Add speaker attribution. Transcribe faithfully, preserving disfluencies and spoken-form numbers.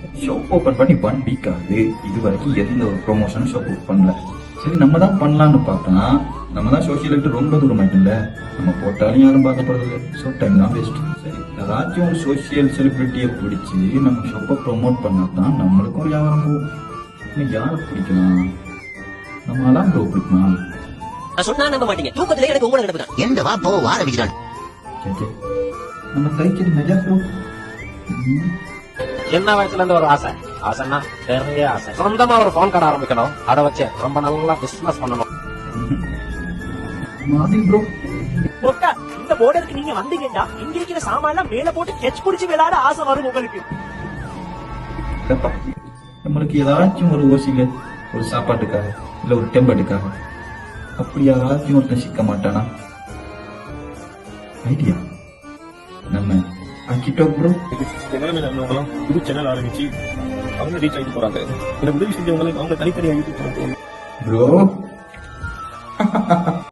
Speaker 1: Shop open பண்ணி one week ஆகுது, இது வரைக்கும் எந்த ஒரு ப்ரொமோஷனும் ஷாப் ஓப்பன் பண்ணல. சரி நம்ம தான் பண்ணலான்னு பார்த்தா நம்ம தான் சோசியல் ரொம்ப தூரம் ஆயிட்டுல, நம்ம போட்டாலும் யாரும் பார்க்க போறது இல்லை. ஸோ டைம் தான் வேஸ்ட். சரி ஏதாச்சும் ஒரு சோசியல் செலிபிரிட்டியை பிடிச்சி நம்ம ஷாப்பை ப்ரொமோட் பண்ணா தான் நம்மளுக்கும் வியாபாரம் போகும். இன்னும் யாரை பிடிக்கலாம்? நம்ம அலாம் ப்ரோ பிடிக்குமா?
Speaker 2: நான் சொன்னா நம்ப மாட்டீங்க, தூக்கத்திலே எனக்கு உங்களை நடப்புதான்.
Speaker 3: எந்த வா போ வார விஜயான்
Speaker 1: சரி நம்ம தைச்சது மெஜா ப்ரோ.
Speaker 4: சின்ன வயசுல இருந்து ஒரு ஆசை, ஆசைன்னா நிறைய ஆசை. சொந்தமா ஒரு போன் கடை ஆரம்பிக்கணும், அதை வச்சு ரொம்ப நல்லா பிசினஸ் பண்ணணும்.
Speaker 1: மாதிரி ப்ரோ
Speaker 5: ஒக்கா, இந்த போர்டருக்கு நீங்க வந்தீங்கன்னா இங்க இருக்கிற சாமான் மேல போட்டு கெச் புடிச்சு விளையாட ஆசை வரும் உங்களுக்கு.
Speaker 1: நம்மளுக்கு ஏதாச்சும் ஒரு ஓசில ஒரு சாப்பாட்டுக்காக இல்ல ஒரு டெம்பர்ட்டுக்காக அப்படி யாராச்சும் ஒருத்தன் சிக்க மாட்டானா? ஐடியா நம்ம ஆக்கிட்டோம் ப்ரோ.
Speaker 6: நிலைமையில இருந்தவங்களும் புது சேனல் ஆரம்பிச்சு அவங்க ரீச் ஆகிட்டு போறாங்க. இந்த உதவி செஞ்சவங்களும் அவங்க தனித்தனியாக யூடியூப்
Speaker 1: ப்ரோ